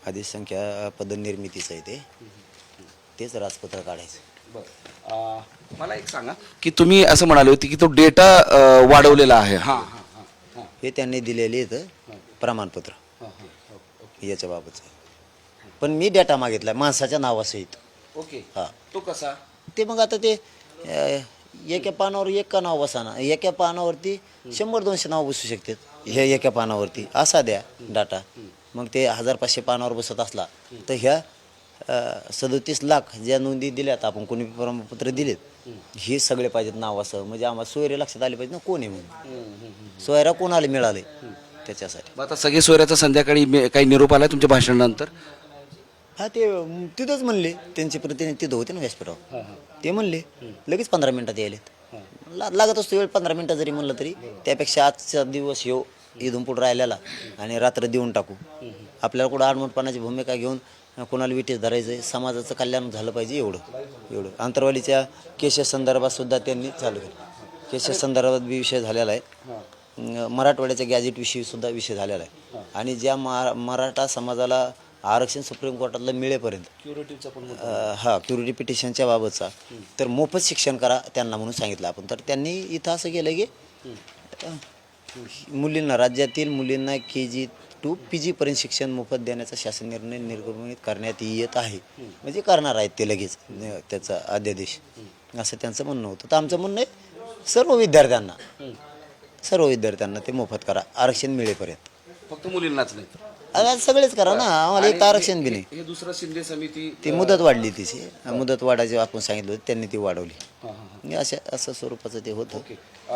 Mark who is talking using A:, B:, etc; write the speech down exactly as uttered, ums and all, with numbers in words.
A: आदेश संख्या पदनिर्मितीचं आहे ते तेच राजपत्र काढायचं.
B: बरं. मला एक सांगा की तुम्ही असं म्हणाले होते की तो डेटा वाढवलेला आहे. हां हां हां हां
A: हे त्यांनी दिलेले इथं प्रमाणपत्र
B: हां हां
A: याच्या बाबतचं. पण मी डेटा मागितला माणसाच्या नावासहित.
B: ओके.
A: हां
B: तो कसा?
A: ते मग आता ते अ, एका पानावर एक का नाव बसाना, एका पानावरती शंभर दोनशे नाव बसू शकतात हे एका पानावरती असा द्या डाटा. मग ते हजार पाचशे पानावर बसत असला तर ह्या सदोतीस लाख ज्या नोंदी दिल्यात आपण कोणी प्रमाणपत्र दिलेत हे सगळे पाहिजेत नाव असं, म्हणजे आम्हाला सोयरे लक्षात आले पाहिजे ना कोण आहे म्हणून, सोयरा कोणाला मिळाले त्याच्यासाठी.
B: मग आता सगळे सोयऱ्याचा संध्याकाळी मे- काही निरोप आला तुमच्या भाषणानंतर?
A: हा ते अं, तिथंच म्हणले त्यांचे प्रतिनिधी तिथं होते ना व्यासपीठावर. ते म्हणले लगेच पंधरा मिनिटात यायलेत. ला लागत असतो वेळ पंधरा मिनिटं जरी म्हणलं तरी त्यापेक्षा आजचा दिवस येऊ इथून पुढे राहिलेला आणि रात्र देऊन टाकू. आपल्याला कुठं आडमोठपणाची भूमिका घेऊन कोणाला विटेस धरायचं आहे, समाजाचं कल्याण झालं पाहिजे एवढं एवढं. आंतरवालीच्या केसेस संदर्भात सुद्धा त्यांनी चालू केलं. केसेस संदर्भात बी विषय झालेला आहे. अं, मराठवाड्याच्या गॅजेटविषयी सुद्धा विषय झालेला आहे. आणि ज्या मा मराठा समाजाला आरक्षण सुप्रीम कोर्टातलं मिळेपर्यंत
B: क्युरेटिव्हचा पण
A: अ, हा क्युरिटी पिटिशनच्या बाबतचा तर मोफत शिक्षण करा त्यांना म्हणून सांगितलं आपण. तर त्यांनी इथं असं केलं की अ, मुलींना राज्यातील मुलींना के जी टू पी जीपर्यंत शिक्षण मोफत देण्याचा शासन निर्णय निर्गमित करण्यात येत आहे. म्हणजे करणार आहेत ते लगेच न- त्याचा अध्यादेश असं त्यांचं म्हणणं होतं. तर आमचं म्हणणं आहे सर्व विद्यार्थ्यांना सर्व विद्यार्थ्यांना ते मोफत करा आरक्षण मिळेपर्यंत.
B: फक्त मुलींनाच नाही.
A: आता सगळेच करा ना, आम्हाला एक आरक्षण बी नाही.
B: हे दुसरं शिंदे समिती
A: ती मुदत वाढली तिची मुदत वाढायची आपण सांगितलं होतं त्यांनी ती वाढवली.
B: हां हां
A: म्हणजे अशा असं स्वरूपाचं ते होतं.
B: ओके.